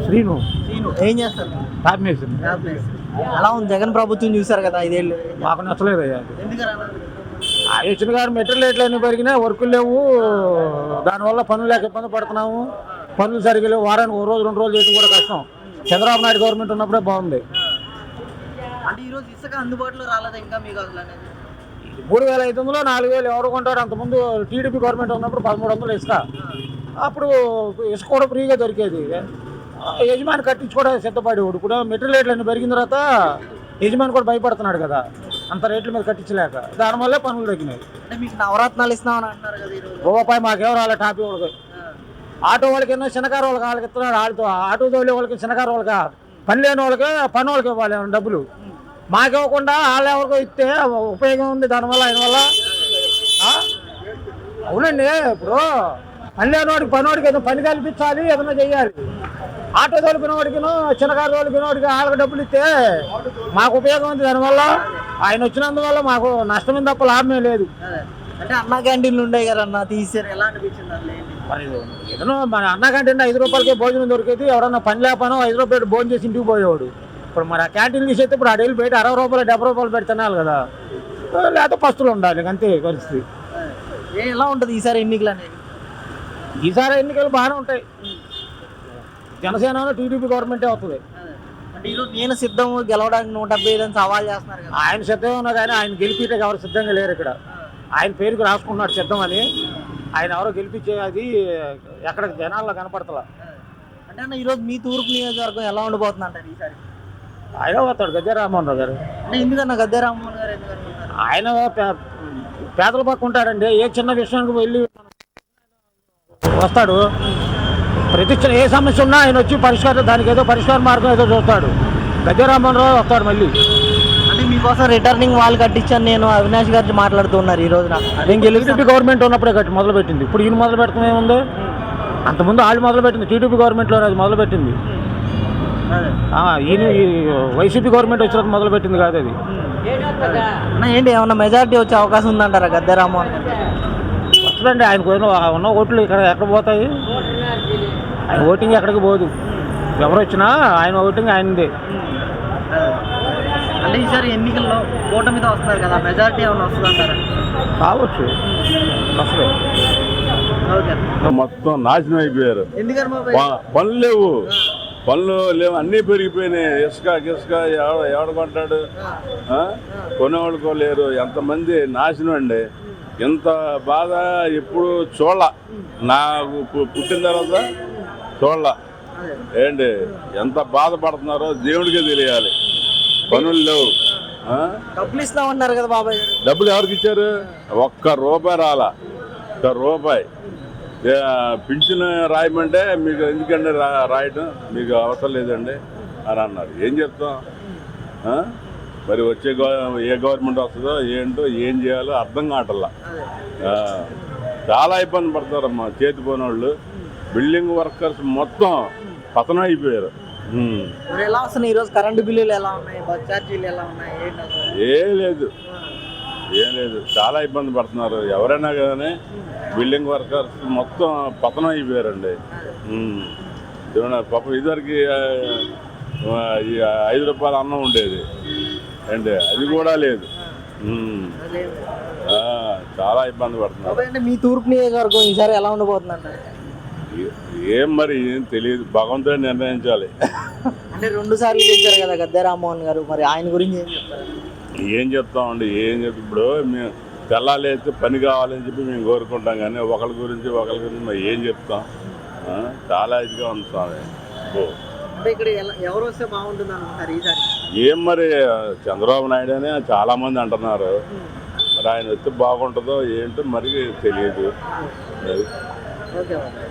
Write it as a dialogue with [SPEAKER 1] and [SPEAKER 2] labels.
[SPEAKER 1] శ్రీను
[SPEAKER 2] ఏం చేస్తారు?
[SPEAKER 1] టాప్ మేసింది.
[SPEAKER 2] ఎలా ఉంది జగన్ ప్రభుత్వం చూసారు కదా 5 ఏళ్ళు?
[SPEAKER 1] మాకు నచ్చలేదు అయ్యా.
[SPEAKER 2] ఎందుకని అలా?
[SPEAKER 1] ఆయన వచ్చిన గారు మెటీరియల్ రేట్లు అన్నీ పెరిగినాయి, వర్కులు లేవు, దానివల్ల పనులు లేక ఇబ్బంది పడుతున్నాము. పనులు సరిగ్గా లేవు, వారానికి 1 రోజు 2 రోజులు చేయడం కూడా కష్టం. చంద్రబాబు నాయుడు గవర్నమెంట్ ఉన్నప్పుడే బాగుంది.
[SPEAKER 2] అంటే ఈరోజు ఇసుక అందుబాటులో రాలేదు ఇంకా మీకు అసలు అనేది?
[SPEAKER 1] 3,500 4,000 ఎవరు కొంటారు? అంతకుముందు టీడీపీ గవర్నమెంట్ ఉన్నప్పుడు 1,300 ఇసుక. అప్పుడు ఇసుక కూడా ఫ్రీగా దొరికేది. యజమాని కట్టించుకోవడానికి సిద్ధపడేవాడు. ఇప్పుడు మెటీరియల్ రేట్లు అన్నీ పెరిగిన తర్వాత యజమాని కూడా భయపడుతున్నాడు కదా, అంత రేట్ల మీద కట్టించలేక. దానివల్లే పనులు తగ్గినాయి.
[SPEAKER 2] అంటే మీకు నవరత్నాలు ఇస్తామని అంటున్నారు కదా ఈరోజు?
[SPEAKER 1] రూపాయి మాకేమో రాలే. టాపీ వాళ్ళకి, ఆటో వాళ్ళకి ఎన్నో చిన్నకారు వాళ్ళకి వాళ్ళకి ఇస్తున్నాడు. ఆటో తోలే వాళ్ళకి, చిన్నకారు వాళ్ళకి, పని లేని వాళ్ళకి, పని వాళ్ళకి ఇవ్వాలి డబ్బులు. మాకివ్వకుండా వాళ్ళు ఎవరికో ఇస్తే ఉపయోగం ఉంది దానివల్ల, ఆయన వల్ల. అవునండి, ఇప్పుడు పని లేని వాడికి పనివాడికి ఏదో పని కల్పించాలి, ఏదైనా చెయ్యాలి. ఆటో తోలిపిన వాడికిను, చిన్నకారు తోలిపిన వాడికి వాళ్ళకి డబ్బులు ఇస్తే మాకు ఉపయోగం ఉంది దానివల్ల. ఆయన వచ్చినందువల్ల మాకు నష్టమే తప్ప లాభమే లేదు.
[SPEAKER 2] అంటే అన్నా క్యాంటీన్లు ఉండేవి కదా అన్న, తీసారు, ఎలా అనిపించింది?
[SPEAKER 1] మరి ఏదైనా మన అన్న క్యాంటీన్ 5 రూపాయలకే భోజనం దొరికేది. ఎవరన్నా పని లేకపోయినా 5 రూపాయలు భోజనం చేసి ఇంటికి పోయేవాడు. ఇప్పుడు మరి ఆ క్యాంటీన్ తీసేస్తే ఇప్పుడు ఆ డైలీ బయట 60 రూపాయలు 70 రూపాయలు పెట్టి తినాలి కదా, లేకపోతే పస్తులు ఉండాలి, అంతే పరిస్థితి.
[SPEAKER 2] ఎలా ఉంటుంది ఈసారి ఎన్నికలు అనేది?
[SPEAKER 1] ఈసారి ఎన్నికలు బాగానే ఉంటాయి. జనసేన టీడీపీ గవర్నమెంటే వస్తుంది.
[SPEAKER 2] అంటే ఈరోజు నేను సిద్ధం గెలవడానికి 175 సవాల్ చేస్తున్నారు కదా.
[SPEAKER 1] ఆయన సిద్ధంగా ఉన్నా కానీ ఆయన గెలిపితే ఎవరు సిద్ధంగా లేరు ఇక్కడ. ఆయన పేరుకు రాసుకున్నాడు సిద్ధం అని. ఆయన ఎవరో గెలిపించే అది ఎక్కడ జనాల్లో కనపడతలా.
[SPEAKER 2] అంటే అన్న ఈరోజు మీ తూర్పు నియోజకవర్గం ఎలా ఉండిపోతుంది అంటారు ఈసారి?
[SPEAKER 1] ఆయన వస్తాడు గద్దె రామ్మోహన్ రావు గారు.
[SPEAKER 2] అంటే ఎందుకన్నా గద్దె రామ్మోహన్ గారు ఎందుకనుకుంటారు?
[SPEAKER 1] ఆయన పేదల పక్క ఉంటాడండి. ఏ చిన్న విషయానికి వెళ్ళి వస్తాడు. ప్రతి ఏ సమస్య ఉన్నా ఆయన వచ్చి పరిష్కారం, దానికి ఏదో పరిష్కార మార్గం ఏదో చూస్తాడు. గద్దె రామ్మోహన్ రావు వస్తాడు మళ్ళీ.
[SPEAKER 2] అంటే మీకోసం రిటర్నింగ్ వాల్ కట్టించాను నేను, అవినాష్ గారు మాట్లాడుతున్నారు ఈ రోజున.
[SPEAKER 1] నేను టీడీపీ గవర్నమెంట్ ఉన్నప్పుడే మొదలుపెట్టింది. ఇప్పుడు ఈయన మొదలు పెట్టడం ఏముంది? అంతకుముందు వాళ్ళు మొదలుపెట్టింది, టీడీపీ గవర్నమెంట్లో అది మొదలుపెట్టింది. ఈయన వైసీపీ గవర్నమెంట్ వచ్చినప్పుడు మొదలుపెట్టింది కాదు అది.
[SPEAKER 2] ఏంటి ఏమన్నా మెజారిటీ వచ్చే అవకాశం ఉందంటారా గద్దె రామ్మోహన్?
[SPEAKER 1] వస్తుందండి. ఆయనకు ఉన్న ఓట్లు ఇక్కడ ఎక్కడ పోతాయి? ఆయన ఓటింగ్ ఎక్కడికి పోదు. ఎవరు వచ్చినా ఆయన ఓటింగ్ ఆయనదే.
[SPEAKER 2] అంటే ఈసారి ఎన్నికల్లో కూటమితో వస్తున్నారు కదా, మెజారిటీ ఏమైనా వస్తుందంటారా?
[SPEAKER 1] కావచ్చు, వస్తుంది.
[SPEAKER 3] మొత్తం నాశనం అయిపోయారు. పనులు లేవు, పనులు లేవు, అన్నీ పెరిగిపోయినాయి. ఇసుక ఎవడ కొంటాడు? కొనేవాళ్ళకో లేరు. ఎంతమంది నాశనం అండి. ఇంత బాధ ఎప్పుడు చూడాల. నాకు పుట్టిన తర్వాత చూడాల. ఏంటి ఎంత బాధపడుతున్నారో దేవుడికే తెలియాలి. పనులు లేవు.
[SPEAKER 2] డబ్బులు ఇస్తామన్నారు కదా బాబాయ్.
[SPEAKER 3] డబ్బులు ఎవరికి ఇచ్చారు? ₹1 రాలా. ₹1 పింఛను రాయమంటే మీకు ఎందుకండి రాయడం, మీకు అవసరం లేదండి అని అన్నారు. ఏం చెప్తాం? మరి వచ్చే ఏ గవర్నమెంట్ వస్తుందో ఏంటో, ఏం చేయాలో అర్థం కావట్లా. చాలా ఇబ్బంది పడతారమ్మా చేతి పోయినోళ్ళు. బిల్డింగ్ వర్కర్స్ మొత్తం పతనం అయిపోయారు.
[SPEAKER 2] ఎలా వస్తున్నాయి ఈరోజు? కరెంటు బిల్లులు ఎలా ఉన్నాయి? బస్ ఛార్జీలు ఎలా ఉన్నాయి?
[SPEAKER 3] ఏం లేదు, చాలా ఇబ్బంది పడుతున్నారు. ఎవరైనా కానీ బిల్డింగ్ వర్కర్స్ మొత్తం పతనం అయిపోయారండి. పాపం ఇదివరకు 5 రూపాయల అన్నం ఉండేది అంటే అది కూడా లేదు. చాలా ఇబ్బంది పడుతున్నారు.
[SPEAKER 2] మీ తూర్పు నియోజకవర్గం ఈసారి ఎలా ఉండబోతుందంట?
[SPEAKER 3] మరి ఏం తెలియదు, భగవంతుడు నిర్ణయించాలి.
[SPEAKER 2] అంటే 2 సార్లు గెలిచారు కదా గద్దె రామ్మోహన్ గారు, మరి ఆయన గురించి ఏం చెప్తారు?
[SPEAKER 3] ఏం చెప్తామండి, ఇప్పుడు మేము తెల్లాలేస్తే పని కావాలని చెప్పి మేము కోరుకుంటాం, కానీ ఒకరి గురించి మరి ఏం చెప్తాం? చాలా ఇదిగా ఉంది స్వామి.
[SPEAKER 2] ఇక్కడ ఎవరు వస్తే బాగుంటుంది అనుకుంటారు ఈసారి?
[SPEAKER 3] ఏం మరి చంద్రబాబు నాయుడు అని చాలా మంది అంటున్నారు. మరి ఆయన వస్తే బాగుంటుందో ఏంటో మరి తెలియదు.